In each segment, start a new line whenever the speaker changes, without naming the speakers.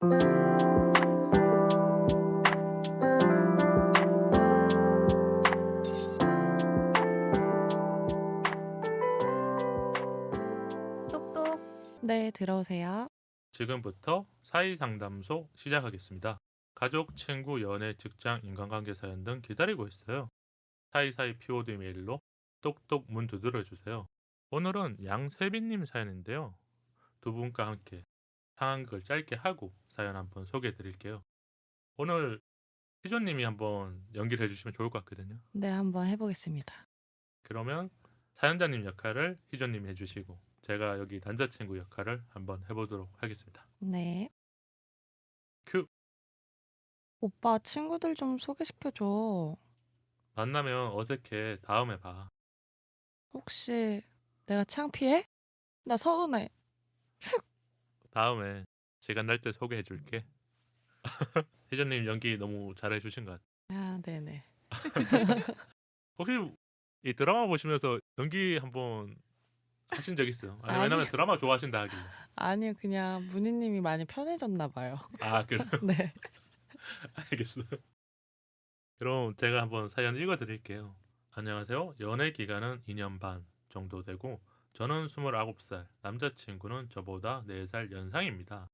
똑똑.
네, 들어오세요.
지금부터 사이상담소 시작하겠습니다. 가족, 친구, 연애, 직장, 인간관계 사연 등 기다리고 있어요. 사이사이 POD 메일로 똑똑 문 두드려주세요. 오늘은 양세빈님 사연인데요. 두 분과 함께 상황극을 짧게 하고 사연 한번 소개해 드릴게요. 오늘 희조님이 한번 연기를 해주시면 좋을 것 같거든요.
네, 한번 해보겠습니다.
그러면 사연자님 역할을 희조님이 해주시고 제가 여기 남자친구 역할을 한번 해보도록 하겠습니다.
네.
큐!
오빠 친구들 좀 소개시켜줘.
만나면 어색해. 다음에 봐.
혹시 내가 창피해? 나 서운해.
다음에 시간 날 때 소개해 줄게. 희전님 연기 너무 잘해 주신 것 같아요.
아, 네네.
혹시 이 드라마 보시면서 연기 한번 하신 적 있어요? 아니, 왜냐면
아니요.
드라마 좋아하신다 하길래.
아니요, 그냥 문희님이 많이 편해졌나 봐요.
아, 그래요?
네.
알겠어요. 그럼 제가 한번 사연 읽어 드릴게요. 안녕하세요. 연애 기간은 2년 반 정도 되고 저는 29살, 남자친구는 저보다 4살 연상입니다.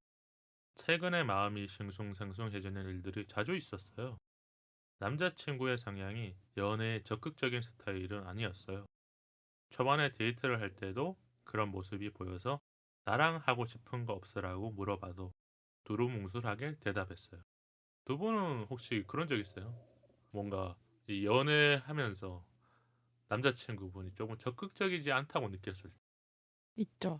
최근에 마음이 싱숭생숭해지는 일들이 자주 있었어요. 남자친구의 성향이 연애에 적극적인 스타일은 아니었어요. 초반에 데이트를 할 때도 그런 모습이 보여서 나랑 하고 싶은 거 없으라고 물어봐도 두루뭉술하게 대답했어요. 두 분은 혹시 그런 적 있어요? 뭔가 이 연애하면서 남자친구분이 조금 적극적이지 않다고 느꼈을 때.
있죠.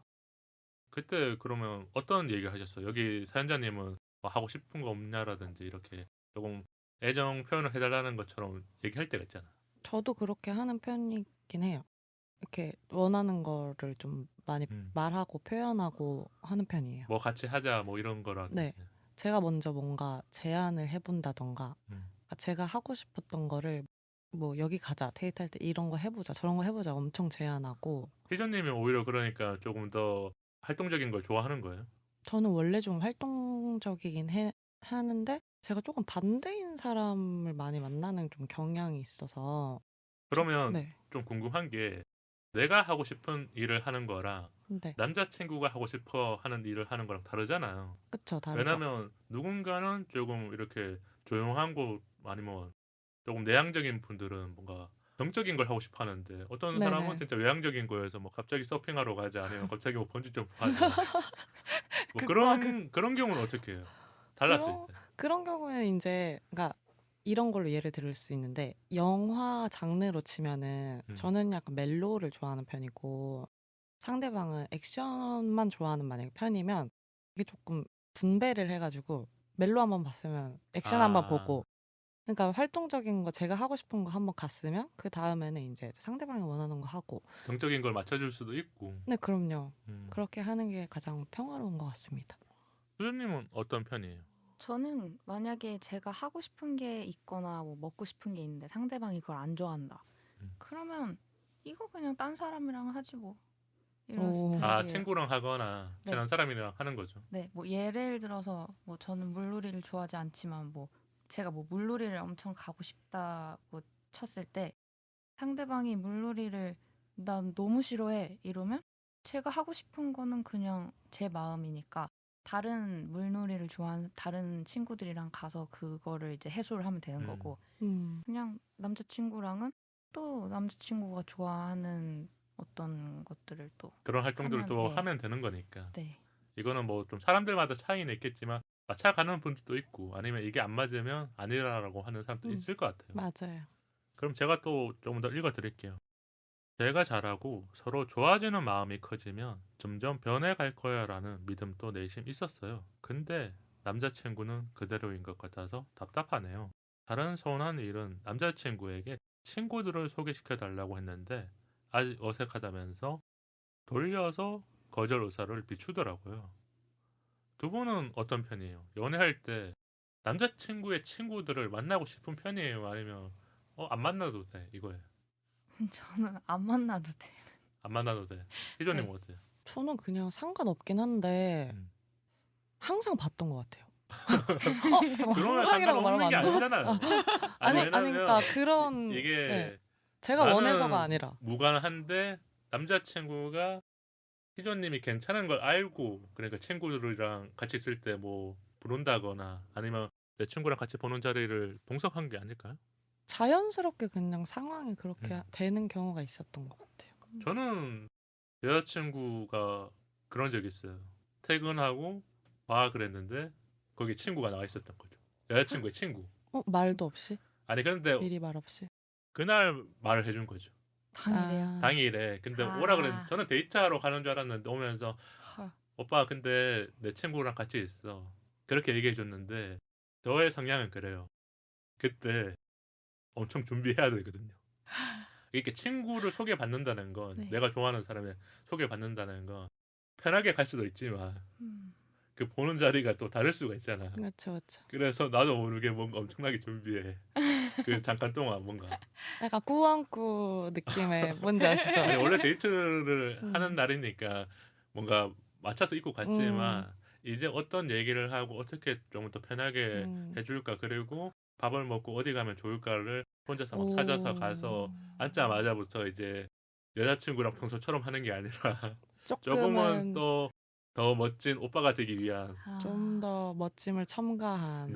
그때 그러면 어떤 얘기를 하셨어요? 여기 사연자님은 뭐 하고 싶은 거 없냐라든지 이렇게 조금 애정 표현을 해달라는 것처럼 얘기할 때가 있잖아.
저도 그렇게 하는 편이긴 해요. 이렇게 원하는 거를 좀 많이 말하고 표현하고 하는 편이에요.
뭐 같이 하자 뭐 이런 거라든지.
네. 제가 먼저 뭔가 제안을 해본다던가 그러니까 제가 하고 싶었던 거를 뭐 여기 가자 데이트할 때 이런 거 해보자 저런 거 해보자 엄청 제안하고.
희전님이 오히려 그러니까 조금 더 활동적인 걸 좋아하는 거예요?
저는 원래 좀 활동적이긴 하는데 제가 조금 반대인 사람을 많이 만나는 좀 경향이 있어서.
그러면
네.
좀 궁금한 게 내가 하고 싶은 일을 하는 거랑
네.
남자친구가 하고 싶어 하는 일을 하는 거랑 다르잖아요.
그쵸, 다르죠.
왜냐면 누군가는 조금 이렇게 조용한 곳 아니면 조금 내향적인 분들은 뭔가 정적인 걸 하고 싶어 하는데 어떤
네네.
사람은 진짜 외향적인 거에서 뭐 갑자기 서핑하러 가자 아니면 갑자기 뭐 번지점프 하자 뭐
극과
그런 경우는 어떻게 해요? 달랐을 때.
그런 경우에는 이제 그러니까 이런 걸로 예를 들을 수 있는데 영화 장르로 치면은 저는 약간 멜로를 좋아하는 편이고 상대방은 액션만 좋아하는 만약에 편이면 이게 조금 분배를 해가지고 멜로 한번 봤으면 액션 한번 보고 그러니까 활동적인 거 제가 하고 싶은 거 한번 갔으면 그 다음에는 이제 상대방이 원하는 거 하고.
정적인 걸 맞춰줄 수도 있고.
네, 그럼요. 그렇게 하는 게 가장 평화로운 것 같습니다.
수준님은 어떤 편이에요?
저는 만약에 제가 하고 싶은 게 있거나 뭐 먹고 싶은 게 있는데 상대방이 그걸 안 좋아한다. 그러면 이거 그냥 딴 사람이랑 하지 뭐. 이런 스타일이에요.
친구랑 하거나 친한 사람이랑 하는 거죠.
네, 뭐 예를 들어서 뭐 저는 물놀이를 좋아하지 않지만 뭐 제가 뭐 물놀이를 엄청 가고 싶다고 쳤을 때 상대방이 물놀이를 난 너무 싫어해 이러면 제가 하고 싶은 거는 그냥 제 마음이니까 다른 물놀이를 좋아하는 다른 친구들이랑 가서 그거를 이제 해소를 하면 되는 거고 그냥 남자친구랑은 또 남자친구가 좋아하는 어떤 것들을 또
그런 활동들을 또
네.
하면 되는 거니까.
네.
이거는 뭐 좀 사람들마다 차이는 있겠지만 맞춰가는 분들도 있고 아니면 이게 안 맞으면 아니라고 하는 사람도 있을 것 같아요.
맞아요.
그럼 제가 또 조금 더 읽어드릴게요. 제가 잘하고 서로 좋아지는 마음이 커지면 점점 변해갈 거야라는 믿음도 내심 있었어요. 근데 남자친구는 그대로인 것 같아서 답답하네요. 다른 서운한 일은 남자친구에게 친구들을 소개시켜달라고 했는데 아직 어색하다면서 돌려서 거절 의사를 비추더라고요. 두 분은 어떤 편이에요? 연애할 때 남자친구의 친구들을 만나고 싶은 편이에요? 아니면 안 만나도 돼 이거예요?
저는 안 만나도 돼.
안 만나도 돼. 희조님 어때요?
저는 그냥 상관없긴 한데 항상 봤던 것 같아요. 잠깐만
그러면
상상이라고 말하면
상관없는 게
안 돼요?
아니잖아요.
아니
왜냐면
그러니까 그런
이게
네. 제가
나는
원해서가 아니라
무관한데 남자친구가 희조님이 괜찮은 걸 알고 그러니까 친구들이랑 같이 있을 때 뭐 부른다거나 아니면 내 친구랑 같이 보는 자리를 동석한 게 아닐까요?
자연스럽게 그냥 상황이 그렇게 되는 경우가 있었던 것 같아요.
저는 여자친구가 그런 적이 있어요. 퇴근하고 와 그랬는데 거기 친구가 나와 있었던 거죠. 여자친구의 친구.
말도 없이
아니 그런데
미리 말 없이
그날 말을 해준 거죠.
당일에요.
당일에. 근데
아.
오라 그랬는데 저는 데이트하러 가는 줄 알았는데 오면서
헐.
오빠 근데 내 친구랑 같이 있어. 그렇게 얘기해 줬는데 저의 성향은 그래요. 그때 엄청 준비해야 되거든요. 이렇게 친구를 소개받는다는 건
네.
내가 좋아하는 사람에 소개받는다는 건 편하게 갈 수도 있지만 그 보는 자리가 또 다를 수가 있잖아.
그렇죠, 그렇죠.
그래서 나도 모르게 뭔가 엄청나게 준비해. 그 잠깐 동안 뭔가.
약간 꾸안꾸 느낌의 뭔지 아시죠?
아니 원래 데이트를
음.
하는 날이니까 뭔가 맞춰서 입고 갔지만 이제 어떤 얘기를 하고 어떻게 좀 더 편하게 해줄까 그리고 밥을 먹고 어디 가면 좋을까를 혼자서 막 찾아서 가서 앉자마자부터 이제 여자친구랑 평소처럼 하는 게 아니라 조금은 또 더 멋진 오빠가 되기 위한
좀 더 멋짐을 첨가한.
네.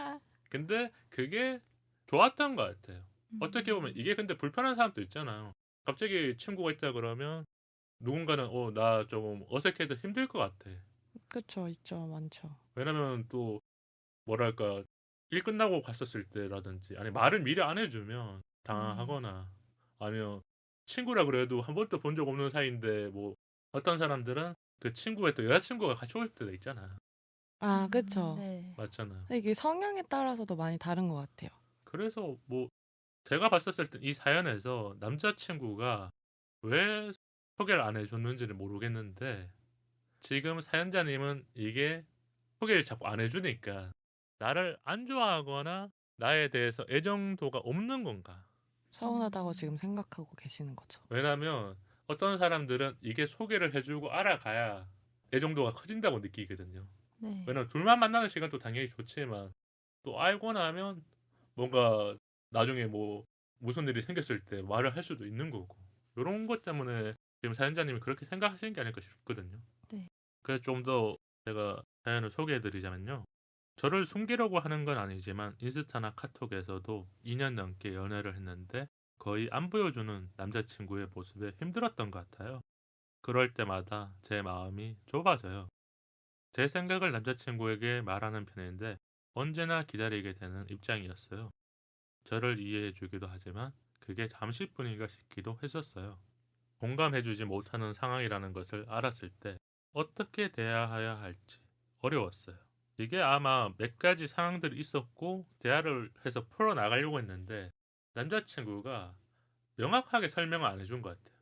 근데 그게 좋았던 것 같아요. 어떻게 보면 이게 근데 불편한 사람도 있잖아요. 갑자기 친구가 있다 그러면 누군가는 나 조금 어색해서 힘들 것 같아.
그렇죠, 있죠, 많죠.
왜냐면 또 뭐랄까 일 끝나고 갔었을 때라든지 아니 말을 미리 안 해주면 당황하거나 아니면 친구라 그래도 한 번도 본 적 없는 사이인데 뭐 어떤 사람들은 그 친구의 또 여자친구가 같이 올 때도 있잖아.
아, 그렇죠.
네.
맞잖아.
이게 성향에 따라서도 많이 다른 것 같아요.
그래서 뭐 제가 봤었을 때 이 사연에서 남자친구가 왜 소개를 안 해줬는지는 모르겠는데 지금 사연자님은 이게 소개를 자꾸 안 해주니까 나를 안 좋아하거나 나에 대해서 애정도가 없는 건가?
서운하다고 지금 생각하고 계시는 거죠.
왜냐면 어떤 사람들은 이게 소개를 해주고 알아가야 애정도가 커진다고 느끼거든요.
네.
왜냐면 둘만 만나는 시간도 당연히 좋지만 또 알고 나면 뭔가 나중에 뭐 무슨 일이 생겼을 때 말을 할 수도 있는 거고 이런 것 때문에 지금 사연자님이 그렇게 생각하시는 게 아닐까 싶거든요.
네.
그래서 좀 더 제가 사연을 소개해드리자면요. 저를 숨기려고 하는 건 아니지만 인스타나 카톡에서도 2년 넘게 연애를 했는데 거의 안 보여주는 남자친구의 모습에 힘들었던 것 같아요. 그럴 때마다 제 마음이 좁아져요. 제 생각을 남자친구에게 말하는 편인데 언제나 기다리게 되는 입장이었어요. 저를 이해해주기도 하지만 그게 잠시뿐인가 싶기도 했었어요. 공감해주지 못하는 상황이라는 것을 알았을 때 어떻게 대해야 할지 어려웠어요. 이게 아마 몇 가지 상황들이 있었고 대화를 해서 풀어나가려고 했는데 남자친구가 명확하게 설명을 안 해준 것 같아요.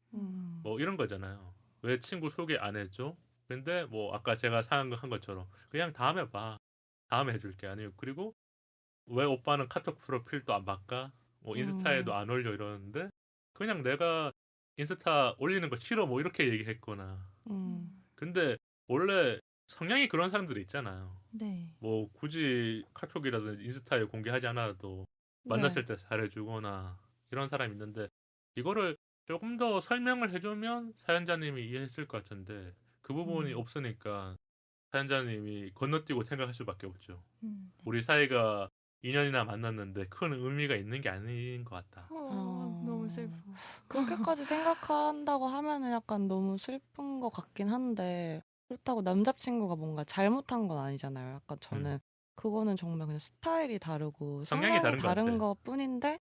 뭐 이런 거잖아요. 왜 친구 소개 안 해줘? 근데 뭐 아까 제가 한 것처럼 그냥 다음에 봐. 다음에 해줄게. 아니요. 그리고 왜 오빠는 카톡 프로필도 안 바꿔? 뭐 인스타에도 안 올려 이러는데 그냥 내가 인스타 올리는 거 싫어 뭐 이렇게 얘기했거나. 근데 원래 성향이 그런 사람들이 있잖아요.
네.
뭐 굳이 카톡이라든지 인스타에 공개하지 않아도 만났을 때 잘해주거나 이런 사람이 있는데 이거를 조금 더 설명을 해주면 사연자님이 이해했을 것 같은데 그 부분이 없으니까 사연자님이 건너뛰고 생각할 수밖에 없죠. 우리 사이가 2년이나 만났는데 큰 의미가 있는 게 아닌 것 같다.
너무 슬퍼.
그렇게까지 생각한다고 하면은 약간 너무 슬픈 것 같긴 한데 그렇다고 남자친구가 뭔가 잘못한 건 아니잖아요. 약간 저는 그거는 정말 그냥 스타일이 다르고
성향이 다른 것 같아.
것 뿐인데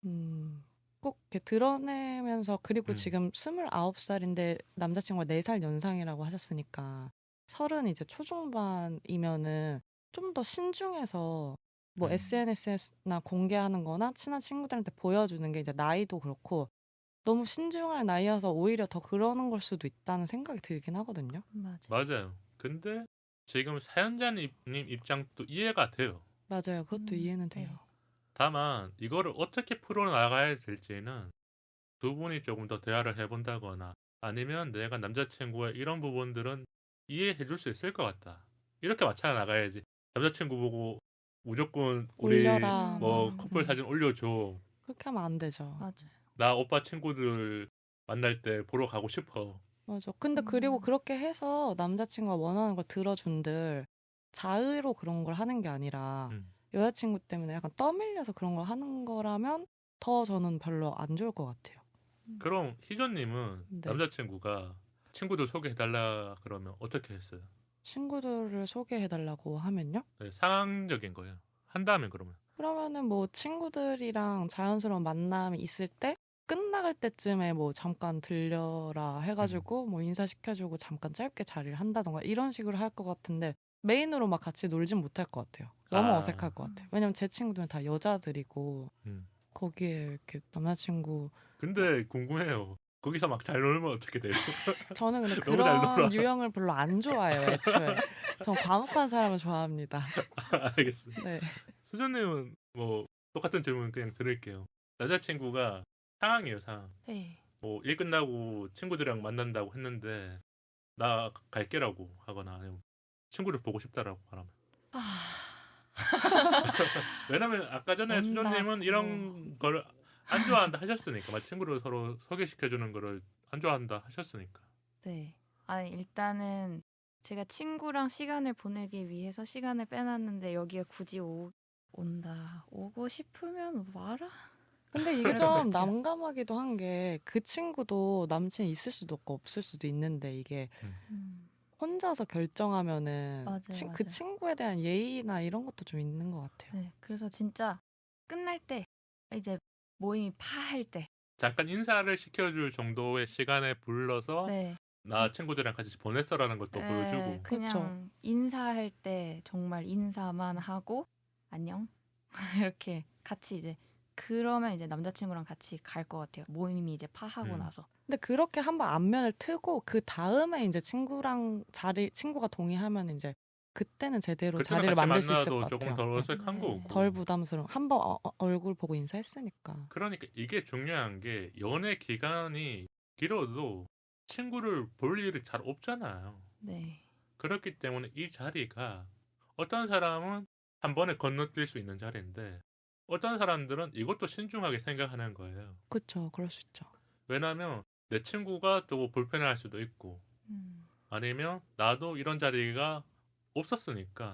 꼭 이렇게 드러내면서 그리고 지금 29살인데 남자친구가 4살 연상이라고 하셨으니까 30 이제 초중반이면은 좀 더 신중해서 뭐 SNS나 공개하는 거나 친한 친구들한테 보여주는 게 이제 나이도 그렇고 너무 신중할 나이여서 오히려 더 그러는 걸 수도 있다는 생각이 들긴 하거든요.
맞아요. 근데 지금 사연자님 입장도 이해가 돼요.
맞아요. 그것도 이해는 돼요.
다만 이거를 어떻게 풀어나가야 될지는 두 분이 조금 더 대화를 해본다거나 아니면 내가 남자친구의 이런 부분들은 이해해 줄 수 있을 것 같다. 이렇게 맞춰 나가야지. 남자친구 보고 무조건 우리
올려라.
뭐 커플 사진 올려줘.
그렇게 하면 안 되죠.
맞아요.
나 오빠 친구들 만날 때 보러 가고 싶어.
맞아. 근데 그리고 그렇게 해서 남자친구가 원하는 걸 들어준들 자의로 그런 걸 하는 게 아니라
음.
여자친구 때문에 약간 떠밀려서 그런 걸 하는 거라면 더 저는 별로 안 좋을 것 같아요.
그럼 희조님은
네.
남자친구가 친구들 소개해달라 그러면 어떻게 했어요?
친구들을 소개해달라고 하면요?
네, 상황적인 거예요. 한다면 그러면.
그러면은 뭐 친구들이랑 자연스러운 만남이 있을 때 끝나갈 때쯤에 뭐 잠깐 들려라 해가지고 뭐 인사시켜주고 잠깐 짧게 자리를 한다던가 이런 식으로 할 것 같은데 메인으로 막 같이 놀진 못할 것 같아요. 너무
아.
어색할 것 같아요. 왜냐면 제 친구들은 다 여자들이고
음.
거기에 이렇게 남자친구
근데 궁금해요. 거기서 막 잘 놀면 어떻게 돼요?
저는 근데
너무 잘 놀아.
그런 유형을 별로 안 좋아해요 애초에. 전 과묵한 사람을 좋아합니다.
알겠습니다.
네.
수전님은 뭐 똑같은 질문 그냥 드릴게요. 남자친구가 상황이에요, 상황.
네.
뭐 일 끝나고 친구들이랑 만난다고 했는데 나 갈게라고 하거나 아니면 친구를 보고 싶다라고 말하면. 왜냐면 아까 전에 수전님은 이런 걸 안 좋아한다 하셨으니까, 막 친구를 서로 소개시켜주는 거를 안 좋아한다 하셨으니까.
네. 아니 일단은 제가 친구랑 시간을 보내기 위해서 시간을 빼놨는데 여기에 굳이 온다. 오고 싶으면 와라.
근데 이게
그럴 것
좀
같아요.
난감하기도 한 게 그 친구도 남친이 있을 수도 없고 없을 수도 있는데 이게 혼자서 결정하면은
맞아요,
그
맞아요.
친구에 대한 예의나 이런 것도 좀 있는 것 같아요.
네. 그래서 진짜 끝날 때 이제 모임이 파할 때.
잠깐 인사를 시켜줄 정도의 시간에 불러서
네.
나 친구들이랑 같이 보냈어라는 것도
네,
보여주고.
그냥
그렇죠.
인사할 때 정말 인사만 하고 안녕 이렇게 같이 이제 그러면 이제 남자친구랑 같이 갈 것 같아요. 모임이 이제 파하고 나서.
근데 그렇게 한번 안면을 트고 그 다음에 이제 친구가 동의하면 이제 그때는 제대로
그때는
자리를
같이
만들 수 있을
만나도
것
조금
같아요.
더
네.
어색한
네.
거고.
덜 부담스러운. 한번 얼굴 보고 인사했으니까.
그러니까 이게 중요한 게 연애 기간이 길어도 친구를 볼 일이 잘 없잖아요.
네.
그렇기 때문에 이 자리가 어떤 사람은 한 번에 건너뛸 수 있는 자리인데 어떤 사람들은 이것도 신중하게 생각하는 거예요.
그렇죠. 그럴 수 있죠.
왜냐하면 내 친구가 또 불편해할 수도 있고 아니면 나도 이런 자리가 없었으니까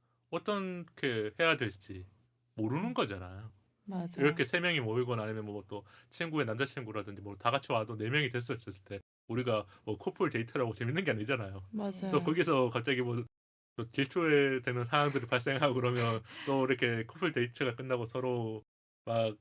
어떻게 해야 될지 모르는 거잖아요.
맞아요.
이렇게 세 명이 모이거나 아니면 뭐 또 친구의 남자친구라든지 뭐 다 같이 와도 네 명이 됐었을 때 우리가 뭐 커플 데이트라고 재밌는 게 아니잖아요.
맞아요.
또 거기서 갑자기 뭐 또 질투되는 상황들이 발생하고 그러면 또 이렇게 커플 데이트가 끝나고 서로 막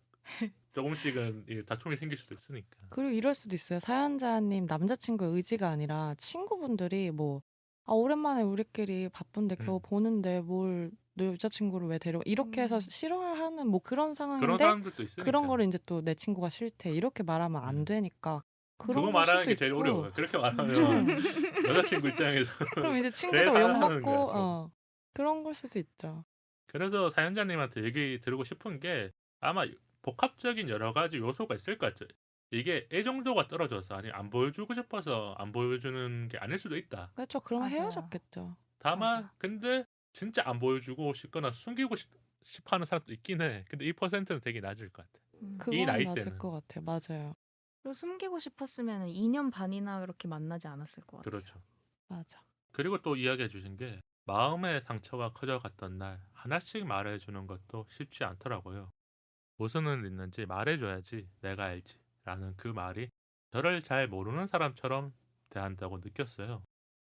조금씩은 이 다툼이 생길 수도 있으니까.
그리고 이럴 수도 있어요. 사연자님 남자친구의 의지가 아니라 친구분들이 뭐 오랜만에 우리끼리 바쁜데 겨우 보는데 뭘 너 여자친구를 왜 데려가 이렇게 해서 싫어하는 뭐 그런
그런
상황인데
사람들도 있으니까.
그런 거를 이제 또 내 친구가 싫대 이렇게 말하면 안 되니까 그런
그거
걸
말하는
수도
게 제일
있고.
어려워요. 그렇게 말하면 여자친구 입장에서
그럼 이제
제일
친구도
화나는
욕먹고
거예요.
그런 걸 수도 있죠.
그래서 사연자님한테 얘기 드리고 싶은 게 아마 복합적인 여러 가지 요소가 있을 것 같아요. 이게 애정도가 떨어져서 아니 안 보여주고 싶어서 안 보여주는 게 아닐 수도 있다.
그렇죠. 그러면
맞아요.
헤어졌겠죠.
다만
맞아.
근데 진짜 안 보여주고 싶거나 숨기고 싶어하는 사람도 있긴 해. 근데 이 퍼센트는 되게 낮을 것 같아. 이
그건
나이
맞을
때는.
것 같아요. 맞아요.
그리고 숨기고 싶었으면 2년 반이나 그렇게 만나지 않았을 것 같아요.
그렇죠.
맞아.
그리고 또 이야기해 주신 게 마음의 상처가 커져갔던 날 하나씩 말해주는 것도 쉽지 않더라고요. 무슨 일 있는지 말해줘야지 내가 알지 라는 그 말이 저를 잘 모르는 사람처럼 대한다고 느꼈어요.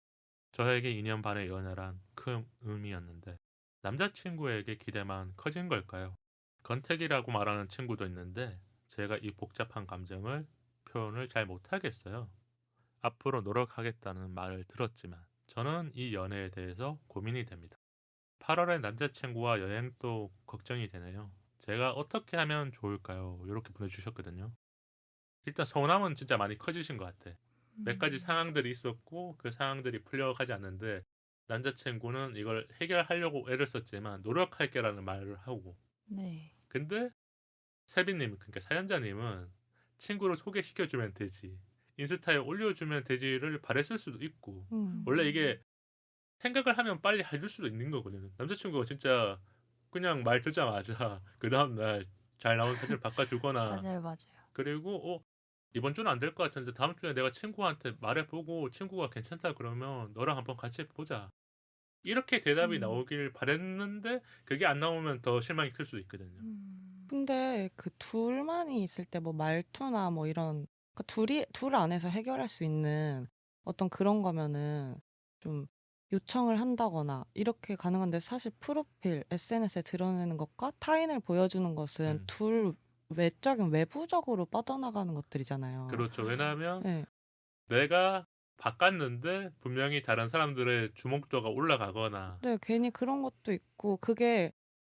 저에게 2년 반의 연애란 큰 의미였는데 남자친구에게 기대만 커진 걸까요? 건택이라고 말하는 친구도 있는데 제가 이 복잡한 감정을 표현을 잘 못하겠어요. 앞으로 노력하겠다는 말을 들었지만 저는 이 연애에 대해서 고민이 됩니다. 8월에 남자친구와 여행도 걱정이 되네요. 제가 어떻게 하면 좋을까요? 이렇게 보내주셨거든요. 일단 서운함은 진짜 많이 커지신 것 같아. 몇 가지 상황들이 있었고 그 상황들이 풀려가지 않는데 남자친구는 이걸 해결하려고 애를 썼지만 노력할게라는 말을 하고
네.
근데 세빈님 그러니까 사연자님은 친구를 소개시켜주면 되지 인스타에 올려주면 되지를 바랬을 수도 있고 원래 이게 생각을 하면 빨리 해줄 수도 있는 거거든요. 남자친구가 진짜 그냥 말 듣자마자 그 다음날 잘 나온 사진을 바꿔주거나
맞아요, 맞아요.
그리고 이번 주는 안 될 것 같은데 다음 주에 내가 친구한테 말해보고 친구가 괜찮다 그러면 너랑 한번 같이 보자. 이렇게 대답이
음.
나오길 바랬는데 그게 안 나오면 더 실망이 클 수도 있거든요.
근데 그 둘만이 있을 때 뭐 말투나 뭐 이런 그러니까 둘 안에서 해결할 수 있는 어떤 그런 거면은 좀 요청을 한다거나 이렇게 가능한데 사실 프로필 SNS에 드러내는 것과 타인을 보여주는 것은 둘 외적인 외부적으로 뻗어나가는 것들이잖아요.
그렇죠. 왜냐하면
네.
내가 바꿨는데 분명히 다른 사람들의 주목도가 올라가거나
네, 괜히 그런 것도 있고 그게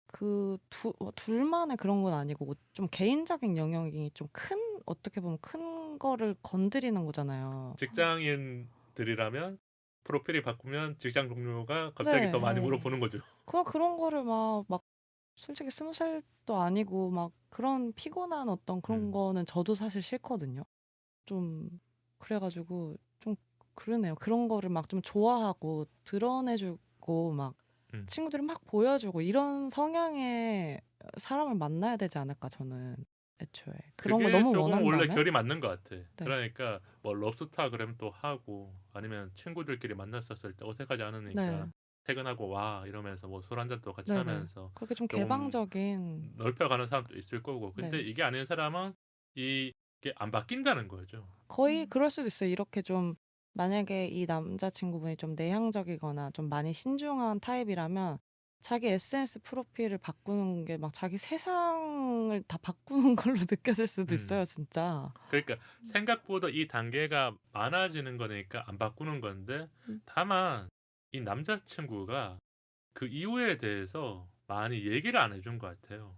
둘만의 그런 건 아니고 좀 개인적인 영역이 좀 큰 어떻게 보면 큰 거를 건드리는 거잖아요.
직장인들이라면 프로필이 바꾸면 직장 동료가 갑자기
네.
더 많이
네.
물어보는 거죠.
그런 거를 막 솔직히 20살도 아니고 막 그런 피곤한 어떤 그런 거는 저도 사실 싫거든요. 좀 그래가지고 좀 그러네요. 그런 거를 막 좀 좋아하고 드러내주고 막 친구들이 막 보여주고 이런 성향의 사람을 만나야 되지 않을까 저는 애초에 그런 거
그게
너무
조금 원래
원한다면
결이 맞는 것 같아.
네.
그러니까 뭐 럽스타 그러면 또 하고 아니면 친구들끼리 만났었을 때 어색하지 않으니까
네.
퇴근하고 와 이러면서 뭐 술 한잔 또 같이
네네.
하면서
그렇게 좀
좀
개방적인
넓혀가는 사람도 있을 거고 근데
네.
이게 아닌 사람은 이게 안 바뀐다는 거죠.
거의 그럴 수도 있어요. 이렇게 좀 만약에 이 남자친구분이 좀 내향적이거나 좀 많이 신중한 타입이라면 자기 SNS 프로필을 바꾸는 게 막 자기 세상을 다 바꾸는 걸로 느껴질 수도 있어요, 진짜.
그러니까 생각보다 이 단계가 많아지는 거니까 안 바꾸는 건데 다만 이 남자친구가 그 이유에 대해서 많이 얘기를 안 해준 것 같아요.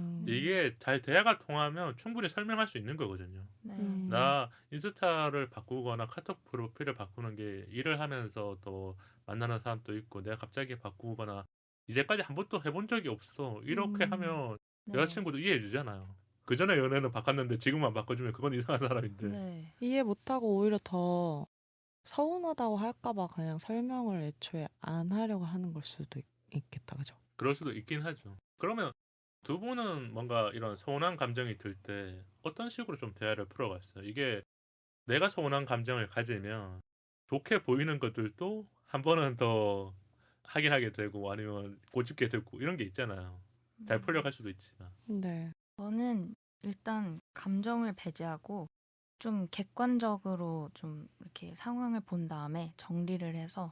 이게 잘 대화가 통하면 충분히 설명할 수 있는 거거든요.
네.
나 인스타를 바꾸거나 카톡 프로필을 바꾸는 게 일을 하면서 또 만나는 사람도 있고 내가 갑자기 바꾸거나 이제까지 한 번도 해본 적이 없어. 이렇게 하면
네.
여자친구도 이해해 주잖아요. 그 전에 연애는 바꿨는데 지금만 바꿔주면 그건 이상한 사람인데.
네.
이해 못하고 오히려 더 서운하다고 할까봐 그냥 설명을 애초에 안 하려고 하는 걸 수도 있겠다, 그죠?
그럴 수도 있긴 하죠. 그러면 두 분은 뭔가 이런 서운한 감정이 들 때 어떤 식으로 좀 대화를 풀어갔어요? 이게 내가 서운한 감정을 가지면 좋게 보이는 것들도 한 번은 더 하게 되고 아니면 고집게 되고 이런 게 있잖아요. 잘 풀려갈 수도 있지만.
네.
저는 일단 감정을 배제하고 좀 객관적으로 좀 이렇게 상황을 본 다음에 정리를 해서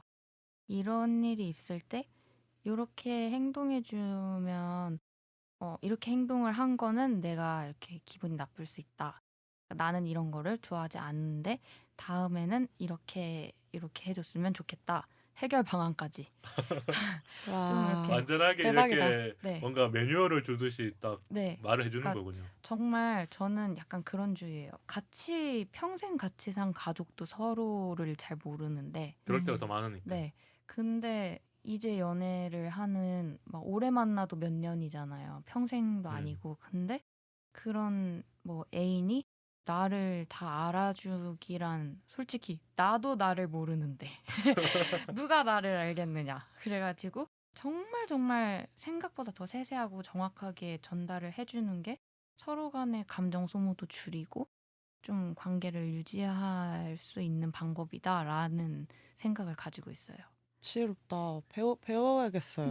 이런 일이 있을 때 이렇게 행동해주면 이렇게 행동을 한 거는 내가 이렇게 기분이 나쁠 수 있다. 나는 이런 거를 좋아하지 않는데 다음에는 이렇게 해줬으면 좋겠다. 해결 방안까지. 좀 이렇게
완전하게
대박이다.
이렇게
네.
뭔가 매뉴얼을 주듯이 딱
네.
말을 해주는
그러니까
거군요.
정말 저는 약간 그런 주의예요. 평생 같이 산 가족도 서로를 잘 모르는데.
그럴 때가 더 많으니까.
네. 근데 이제 연애를 하는 막 오래 만나도 몇 년이잖아요. 평생도 아니고. 근데 그런 뭐 애인이 나를 다 알아주기란 솔직히 나도 나를 모르는데 누가 나를 알겠느냐. 그래가지고 정말 생각보다 더 세세하고 정확하게 전달을 해주는 게 서로 간의 감정 소모도 줄이고 좀 관계를 유지할 수 있는 방법이다라는 생각을 가지고 있어요.
지혜롭다. 배워야겠어요.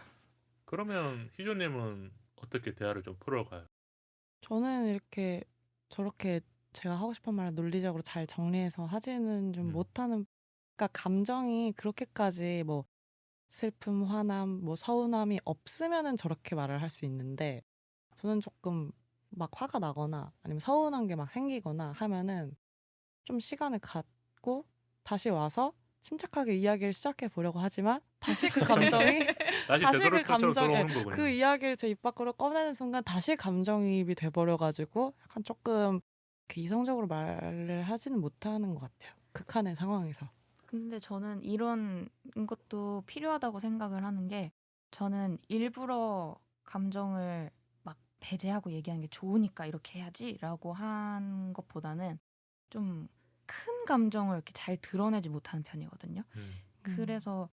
그러면 희조님은 어떻게 대화를 좀 풀어가요?
저는 이렇게 저렇게 제가 하고 싶은 말을 논리적으로 잘 정리해서 하지는 좀 못하는, 그러니까 감정이 그렇게까지 뭐 슬픔, 화남, 뭐 서운함이 없으면은 저렇게 말을 할 수 있는데 저는 조금 막 화가 나거나 아니면 서운한 게 막 생기거나 하면은 좀 시간을 갖고 다시 와서 침착하게 이야기를 시작해 보려고 하지만 다시 그 감정이 다시 그 감정 그 이야기를 제 입 밖으로 꺼내는 순간 다시 감정이입이 돼버려가지고 약간 조금 이성적으로 말을 하지는 못하는 것 같아요. 극한의 상황에서.
근데 저는 이런 것도 필요하다고 생각을 하는 게 저는 일부러 감정을 막 배제하고 얘기하는 게 좋으니까 이렇게 해야지라고 한 것보다는 좀 큰 감정을 이렇게 잘 드러내지 못하는 편이거든요. 그래서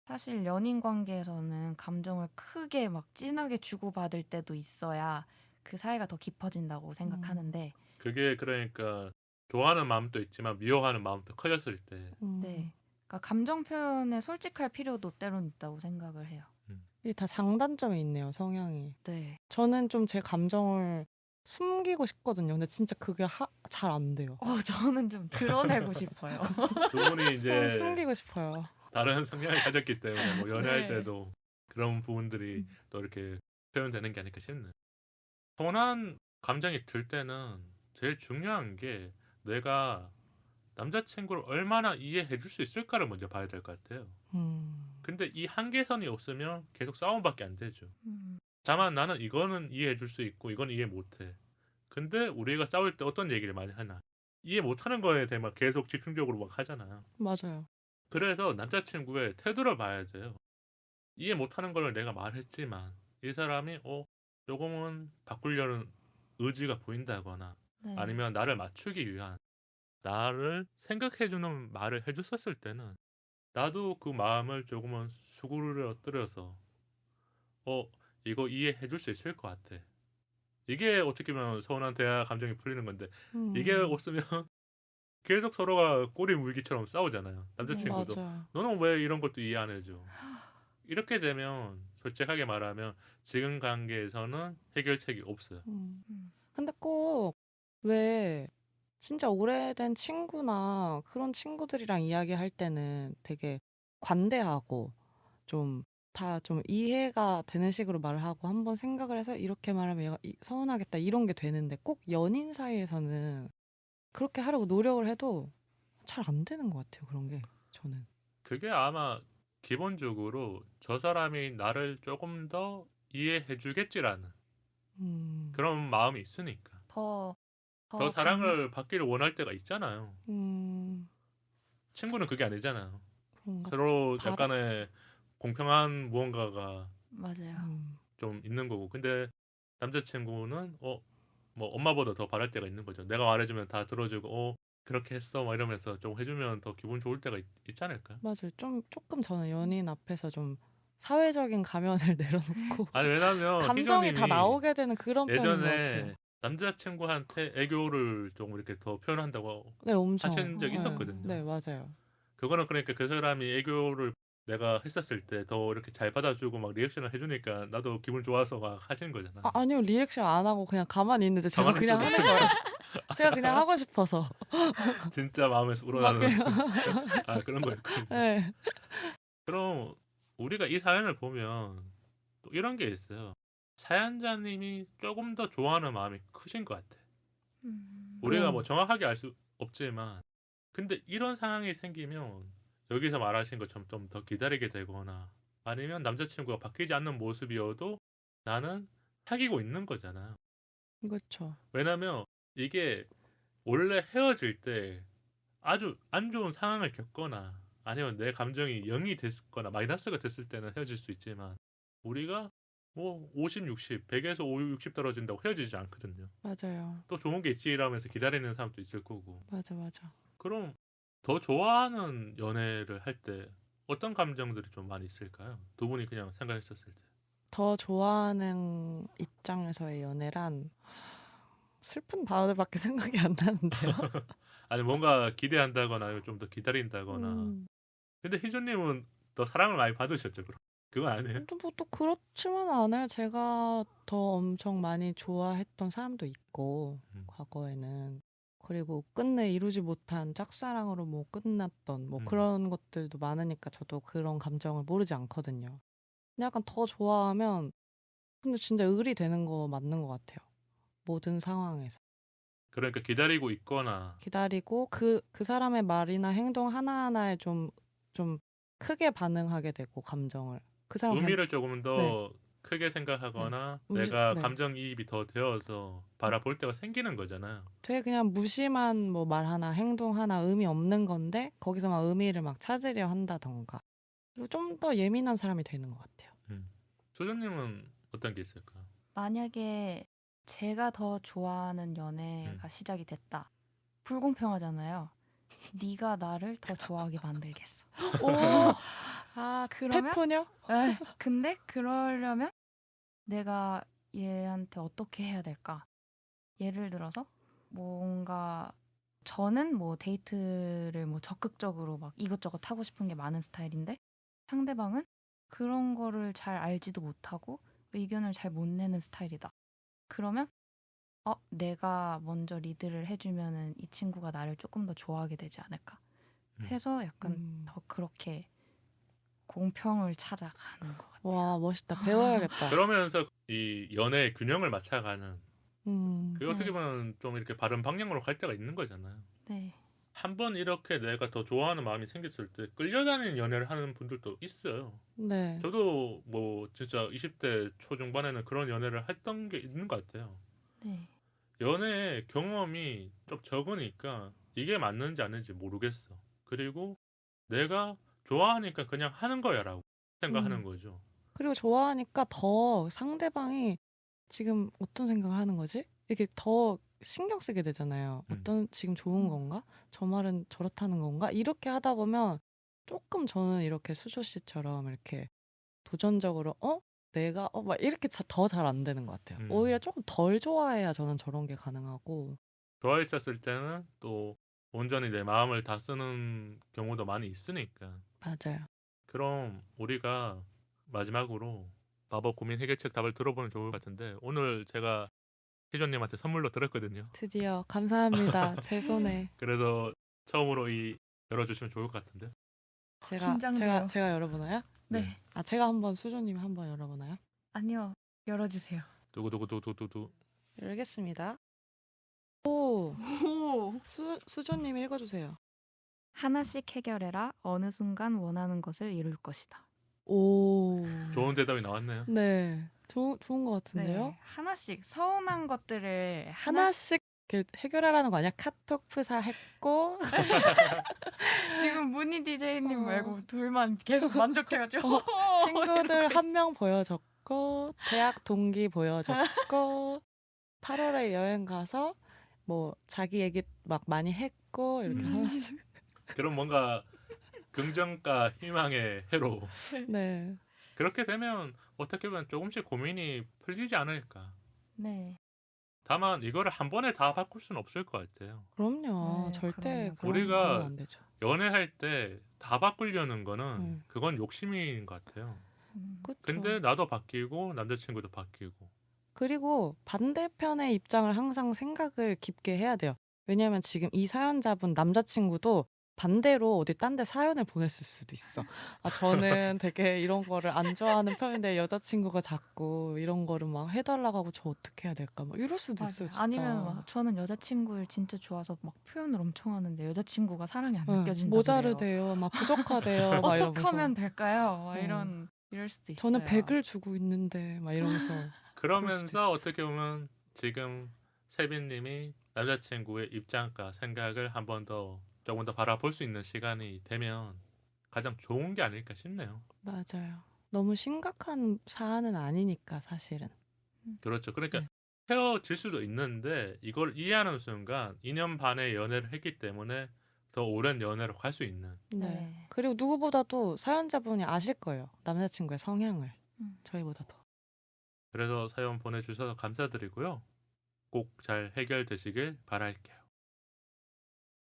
사실 연인 관계에서는 감정을 크게 막 진하게 주고받을 때도 있어야 그 사이가 더 깊어진다고 생각하는데
그게 그러니까 좋아하는 마음도 있지만 미워하는 마음도 커졌을 때
네. 그러니까 감정 표현에 솔직할 필요도 때론 있다고 생각을 해요.
이게 다 장단점이 있네요, 성향이.
네.
저는 좀 제 감정을 숨기고 싶거든요. 근데 진짜 그게 잘 안 돼요.
저는 좀 드러내고 싶어요.
두 분이 이제
숨기고 싶어요.
다른 성향을 가졌기 때문에 뭐 연애할
네.
때도 그런 부분들이 또 이렇게 표현되는 게 아닐까 싶네. 선한 감정이 들 때는 제일 중요한 게 내가 남자친구를 얼마나 이해해 줄 수 있을까를 먼저 봐야 될 것 같아요. 근데 이 한계선이 없으면 계속 싸움밖에 안 되죠. 다만 나는 이거는 이해해 줄 수 있고 이건 이해 못해. 근데 우리가 싸울 때 어떤 얘기를 많이 하나? 이해 못하는 거에 대해 계속 집중적으로 막 하잖아요.
맞아요.
그래서 남자친구의 태도를 봐야 돼요. 이해 못하는 걸 내가 말했지만 이 사람이 조금은 바꾸려는 의지가 보인다거나
네.
아니면 나를 맞추기 위한 나를 생각해주는 말을 해줬었을 때는 나도 그 마음을 조금은 수그러뜨려서 이거 이해해줄 수 있을 것 같아. 이게 어떻게 보면 서운한 대화 감정이 풀리는 건데 이게 없으면 계속 서로가 꼬리 물기처럼 싸우잖아요. 남자친구도
맞아요.
너는 왜 이런 것도 이해 안 해줘. 이렇게 되면 솔직하게 말하면 지금 관계에서는 해결책이 없어요.
근데 꼭 왜 진짜 오래된 친구나 그런 친구들이랑 이야기할 때는 되게 관대하고 좀 다 좀 이해가 되는 식으로 말을 하고 한번 생각을 해서 이렇게 말하면 얘가 서운하겠다 이런 게 되는데 꼭 연인 사이에서는 그렇게 하려고 노력을 해도 잘 안 되는 것 같아요. 그런 게 저는.
그게 아마 기본적으로 저 사람이 나를 조금 더 이해해 주겠지라는 그런 마음이 있으니까.
더
더 사랑을 받기를 원할 때가 있잖아요. 친구는 그게 아니잖아요.
그런가?
서로 약간의 공평한 무언가가
맞아요.
좀 있는 거고. 근데 남자친구는 뭐 엄마보다 더 바랄 때가 있는 거죠. 내가 말해주면 다 들어주고 그렇게 했어 막 이러면서 좀 해주면 더 기분 좋을 때가 있지 않을까요?
맞아요. 조금 저는 연인 앞에서 좀 사회적인 가면을 내려놓고
아니 왜냐면
감정이 다
희정님이
나오게 되는 그런 편인 것
예전에
같아요.
남자친구한테 애교를 조금 이렇게 더 표현한다고
네, 엄청.
하신 적 있었거든요.
네, 맞아요.
그거는 그러니까 그 사람이 애교를 내가 했었을 때 더 이렇게 잘 받아주고 막 리액션을 해주니까 나도 기분 좋아서 막 하신 거잖아.
아니요, 리액션 안 하고 그냥 가만히 있는데 제가
가만히
그냥
있어도
하는 거예요. 제가 그냥 하고 싶어서.
진짜 마음에서 우러나는 그런 거였군요.
네.
그럼 우리가 이 사연을 보면 또 이런 게 있어요. 사연자님이 조금 더 좋아하는 마음이 크신 것 같아. 우리가 뭐 정확하게 알 수 없지만 근데 이런 상황이 생기면 여기서 말하신 것처럼 좀 더 기다리게 되거나 아니면 남자친구가 바뀌지 않는 모습이어도 나는 사귀고 있는 거잖아요.
그렇죠.
왜냐면 이게 원래 헤어질 때 아주 안 좋은 상황을 겪거나 아니면 내 감정이 0이 됐거나 마이너스가 됐을 때는 헤어질 수 있지만 우리가 뭐 50, 60, 100에서 5, 60 떨어진다고 헤어지지 않거든요.
맞아요.
또 좋은 게 있지 이러면서 기다리는 사람도 있을 거고.
맞아.
그럼 더 좋아하는 연애를 할 때 어떤 감정들이 좀 많이 있을까요? 두 분이 그냥 생각했었을 때.
더 좋아하는 입장에서의 연애란 슬픈 단어들밖에 생각이 안 나는데요.
아니 뭔가 기대한다거나 좀 더 기다린다거나. 근데 희준님은 더 사랑을 많이 받으셨죠, 그럼? 그건 아니에요?
또 그렇지만 않아요. 제가 더 엄청 많이 좋아했던 사람도 있고 과거에는. 그리고 끝내 이루지 못한 짝사랑으로 뭐 끝났던 뭐 그런 것들도 많으니까 저도 그런 감정을 모르지 않거든요. 근데 약간 더 좋아하면 근데 진짜 을이 되는 거 맞는 것 같아요. 모든 상황에서.
그러니까 기다리고 있거나
기다리고 그 사람의 말이나 행동 하나하나에 좀 크게 반응하게 되고 감정을. 그 사람
의미를 조금 더 크게 생각하거나 내가 감정이입이 더 되어서 바라볼 때가 생기는 거잖아요.
되게 그냥 무심한 뭐 말 하나 행동 하나 의미 없는 건데 거기서 막 의미를 막 찾으려 한다던가. 그리고 좀 더 예민한 사람이 되는 것 같아요.
소장님은 어떤 게 있을까요?
만약에 제가 더 좋아하는 연애가 시작이 됐다. 불공평하잖아요. 네가 나를 더 좋아하게 만들겠어.
오, 아,
그러면
태포녀?
근데 그러려면 내가 얘한테 어떻게 해야 될까? 예를 들어서 뭔가 저는 뭐 데이트를 뭐 적극적으로 막 이것저것 하고 싶은 게 많은 스타일인데 상대방은 그런 거를 잘 알지도 못하고 의견을 잘 못 내는 스타일이다. 그러면 내가 먼저 리드를 해주면은 이 친구가 나를 조금 더 좋아하게 되지 않을까 해서 약간 더 그렇게 공평을 찾아가는 것 같아요.
와, 멋있다. 배워야겠다.
그러면서 이 연애의 균형을 맞춰가는 그게 어떻게
네.
보면 좀 이렇게 바른 방향으로 갈 때가 있는 거잖아요.
네.
한번 이렇게 내가 더 좋아하는 마음이 생겼을 때 끌려다니는 연애를 하는 분들도 있어요.
네.
저도 뭐 진짜 20대 초중반에는 그런 연애를 했던 게 있는 것 같아요.
네.
연애 경험이 좀 적으니까 이게 맞는지 아닌지 모르겠어. 그리고 내가 좋아하니까 그냥 하는 거야라고 생각하는 거죠.
그리고 좋아하니까 더 상대방이 지금 어떤 생각을 하는 거지? 이렇게 더 신경 쓰게 되잖아요. 어떤 지금 좋은 건가? 저 말은 저렇다는 건가? 이렇게 하다 보면 조금 저는 이렇게 수조 씨처럼 이렇게 도전적으로 내가 막 이렇게 더 잘 안 되는 것 같아요. 오히려 조금 덜 좋아해야 저는 저런 게 가능하고.
좋아했었을 때는 또 온전히 내 마음을 다 쓰는 경우도 많이 있으니까.
맞아요.
그럼 우리가 마지막으로 마법 고민 해결책 답을 들어보면 좋을 것 같은데 오늘 제가 희조님한테 선물로 들었거든요.
드디어 감사합니다. 제 손에.
그래서 처음으로 열어주시면 좋을 것 같은데.
긴장돼요.
제가 열어보나요?
네.
아, 제가 한번 수조님 한번 열어보나요?
아니요. 열어주세요.
두구두구두구두구.
열겠습니다. 오,
오.
수조님 읽어주세요.
하나씩 해결해라. 어느 순간 원하는 것을 이룰 것이다.
오.
좋은 대답이 나왔네요.
네. 좋은 것 같은데요?
네. 하나씩 서운한 것들을
하나씩 이렇게 해결하라는 거 아니야? 카톡 프사했고.
지금 문희 DJ님 말고 둘만 계속 만족해가지고
친구들 한 명 보여줬고, 대학 동기 보여줬고, 8월에 여행 가서 뭐 자기 얘기 막 많이 했고 이렇게 하나씩.
그럼 뭔가 긍정과 희망의 해로.
네.
그렇게 되면 어떻게 보면 조금씩 고민이 풀리지 않을까.
네.
다만 이거를 한 번에 다 바꿀 수는 없을 것 같아요.
그럼요.
네,
절대
그럼요.
우리가
그러면 안 되죠.
연애할 때 다 바꾸려는 거는 그건 욕심인 것 같아요.
그쵸.
근데 나도 바뀌고 남자친구도 바뀌고.
그리고 반대편의 입장을 항상 생각을 깊게 해야 돼요. 왜냐하면 지금 이 사연자분 남자친구도 반대로 어디 딴 데 사연을 보냈을 수도 있어. 아, 저는 되게 이런 거를 안 좋아하는 편인데 여자친구가 자꾸 이런 거를 막 해달라고 하고 저 어떻게 해야 될까? 막 이럴 수도 있어요. 진짜.
아니면 막 저는 여자친구를 진짜 좋아서 막 표현을 엄청 하는데 여자친구가 사랑이 안
응,
느껴진다
모자르대요. 막 부족하대요. 막 이러면서.
어떻게 하면 될까요? 막 이럴 수도 있어요.
저는 100을 주고 있는데 막 이러면서.
그러면서 어떻게 보면 지금 세빈님이 남자친구의 입장과 생각을 한 번 더 조금 더 바라볼 수 있는 시간이 되면 가장 좋은 게 아닐까 싶네요.
맞아요. 너무 심각한 사안은 아니니까 사실은.
그렇죠. 그러니까
네.
헤어질 수도 있는데 이걸 이해하는 순간 2년 반의 연애를 했기 때문에 더 오랜 연애로 갈 수 있는.
네. 그리고 누구보다도 사연자분이 아실 거예요. 남자친구의 성향을. 저희보다 더.
그래서 사연 보내주셔서 감사드리고요. 꼭 잘 해결되시길 바랄게요.